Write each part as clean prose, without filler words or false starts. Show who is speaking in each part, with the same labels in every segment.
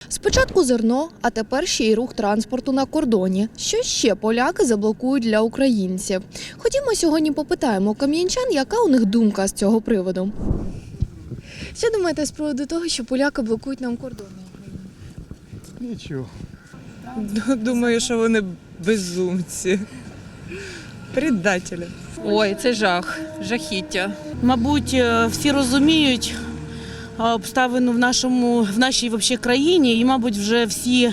Speaker 1: Спочатку зерно, а тепер ще й рух транспорту на кордоні. Що ще поляки заблокують для українців? Ходімо сьогодні попитаємо кам'янчан, яка у них думка з цього приводу. Що думаєте з приводу того, що поляки блокують нам кордон?
Speaker 2: Нічого.
Speaker 3: Думаю, що вони безумці. Предателі.
Speaker 4: Ой, це жах, жахіття. Мабуть, всі розуміють обставину в нашій вообще країні і, мабуть, вже всі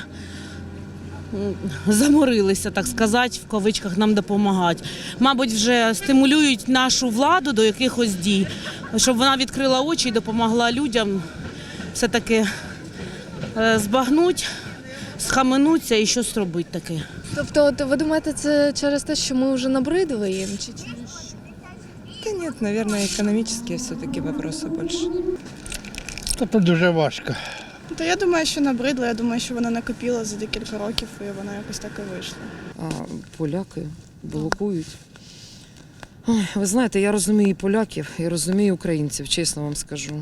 Speaker 4: заморилися, так сказати, в кавичках нам допомагати. Мабуть, вже стимулюють нашу владу до якихось дій, щоб вона відкрила очі і допомогла людям все-таки збагнути, схаменуться і щось робити таке.
Speaker 1: Тобто, ви думаєте, це через те, що ми вже набридли їм? Чи через що?
Speaker 3: Та ні, мабуть, економічні все-таки вопроси більше.
Speaker 2: Це дуже важко.
Speaker 5: Та я думаю, що набридло, я думаю, що вона накопила за декілька років і вона якось так і вийшла.
Speaker 6: А поляки блокують. Ой, ви знаєте, я розумію і поляків, і розумію українців, чесно вам скажу.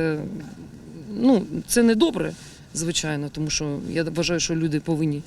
Speaker 6: Це не добре, звичайно, тому що я вважаю, що люди повинні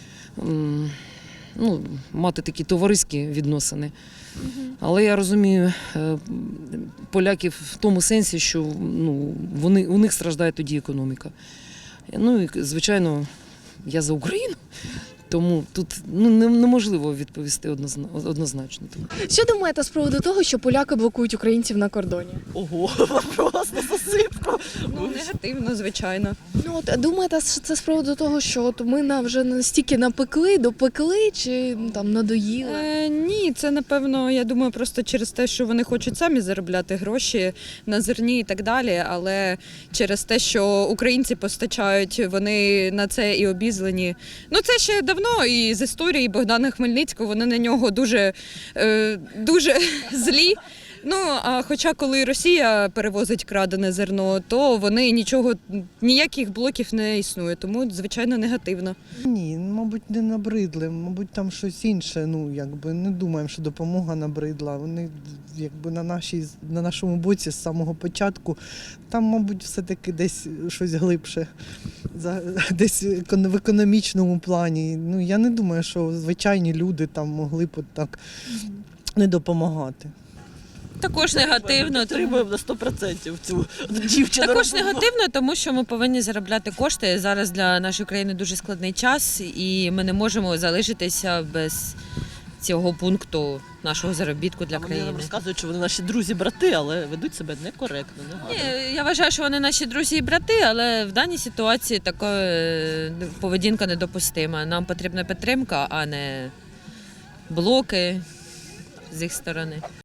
Speaker 6: мати такі товариські відносини. Але я розумію поляків в тому сенсі, що у них страждає тоді економіка. Ну і, звичайно, я за Україну, тому тут неможливо відповісти однозначно.
Speaker 1: Що думаєте з приводу того, що поляки блокують українців на кордоні?
Speaker 7: Ого, вопрос на засипку.
Speaker 4: Негативно, звичайно.
Speaker 1: Думаєте, це з приводу того, що ми вже настільки допекли, чи надоїли?
Speaker 8: Ні, це, напевно, я думаю, просто через те, що вони хочуть самі заробляти гроші на зерні і так далі, але через те, що українці постачають, вони на це і обізлені. Це ще давно і з історії Богдана Хмельницького, вони на нього дуже злі. А хоча коли Росія перевозить крадене зерно, то вони ніяких блоків не існує, тому, звичайно, негативно.
Speaker 9: Ні, мабуть, не набридли, мабуть, там щось інше, не думаємо, що допомога набридла. Вони на нашому боці з самого початку, там, мабуть, все-таки десь щось глибше, десь в економічному плані. Я не думаю, що звичайні люди там могли б так не допомагати.
Speaker 4: Також негативно.
Speaker 7: Підтримуємо на 100% цю дівчину.
Speaker 4: Також негативно, тому що ми повинні заробляти кошти. Зараз для нашої країни дуже складний час, і ми не можемо залишитися без цього пункту нашого заробітку для країни.
Speaker 7: Вони нам розказують, що вони наші друзі-брати, але ведуть себе некоректно, негарно.
Speaker 4: Ні, я вважаю, що вони наші друзі і брати, але в даній ситуації така поведінка недопустима. Нам потрібна підтримка, а не блоки з їх сторони.